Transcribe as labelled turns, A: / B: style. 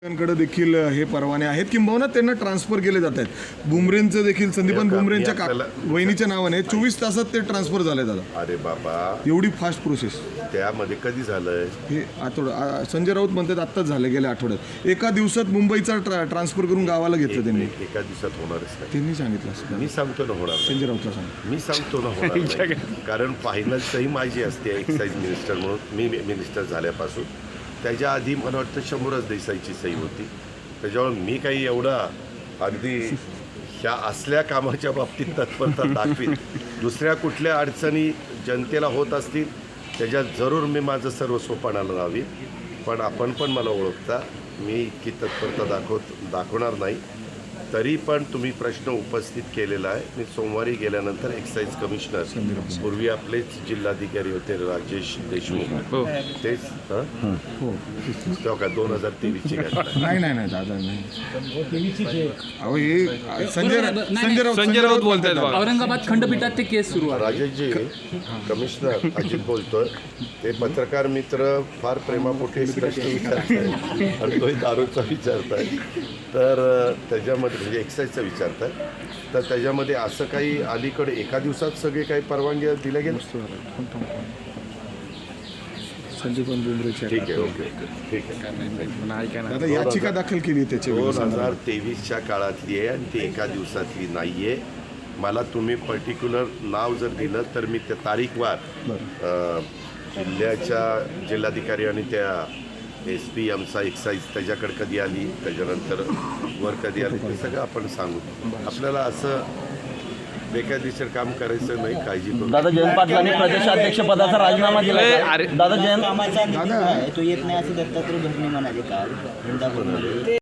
A: कडे देखील हे परवाने आहेत किंबहुना त्यांना ट्रान्सफर केले जात आहेत. बुमरेंचं देखील संदीपान बुमरेंच्या वहिनीच्या नावाने 24 तासात ते ट्रान्सफर झाले दादा.
B: अरे बाबा,
A: एवढी फास्ट प्रोसेस
B: त्यामध्ये कधी झालंय
A: हे आठवडा संजय राऊत म्हणतात आत्ताच झाले गेल्या आठवड्यात. एका दिवसात मुंबईचा ट्रान्सफर करून गावाला घेतलं त्यांनी.
B: एका दिवसात होणारच नाही.
A: त्यांनी सांगितलं असं.
B: मी सांगतो ना होणार नाही.
A: संजय राऊतला सांग.
B: मी सांगतो ना होणार नाही. कारण फायनल सही माझी असते एक्साईज मिनिस्टर म्हणून. मी मिनिस्टर झाल्यापासून त्याच्या आधी मला वाटतं 100च देसाईची सही होती. त्याच्यामुळे मी काही एवढा अगदी ह्या असल्या कामाच्या बाबतीत तत्परता दाखवीन. दुसऱ्या कुठल्या अडचणी जनतेला होत असतील त्याच्यात जरूर मी माझं सर्वस्व पणाला लावीन. पण आपण पण मला ओळखता, मी इतकी तत्परता दाखवणार नाही. तरी पण तुम्ही प्रश्न उपस्थित केलेला आहे. मी सोमवारी गेल्यानंतर एक्साईज कमिशनर, पूर्वी आपलेच जिल्हाधिकारी होते राजेश देशमुख, तेच तेव्हा का 2023ची
A: नाही नाही नाही दादा नाही. अहो हे संजय राऊत बोलतात.
C: औरंगाबाद खंडपीठात ते केस सुरू आहे.
B: राजेशजी, कमिशनर अजित बोलतोय. ते पत्रकार मित्र फार प्रेमापोटी प्रश्न विचारताय आणि तोही दारूचा विचारताय. तर त्याच्यामध्ये म्हणजे एक्साईजचा विचारताय, तर त्याच्यामध्ये असं काही अलीकडे एका दिवसात सगळे काही परवानगी दिल्या गेल्या?
A: संदीपान बुमरेच्या
B: ठीक आहे, ओके ठीक आहे.
A: दादा याचिका दाखल केली त्याची
B: 2023च्या काळातली आहे आणि ती एका दिवसातली नाही आहे. मला तुम्ही पर्टिक्युलर नाव जर दिलं तर मी त्या तारीखवार जिल्हाधिकारी आणि त्या SP आमचा एक्साईज त्याच्याकडे कधी आली, त्याच्यानंतर वर कधी आली, ते सगळं आपण सांगू. आपल्याला असं बेकायदेशीर काम करायचं नाही, काळजी करू.
D: दादा जयंत पाटलांनी प्रदेशाध्यक्ष पदाचा राजीनामा दिला. दादा जयंत
E: कामाचा तो येत नाही असं दत्तात्रय भरणे म्हणाले काल.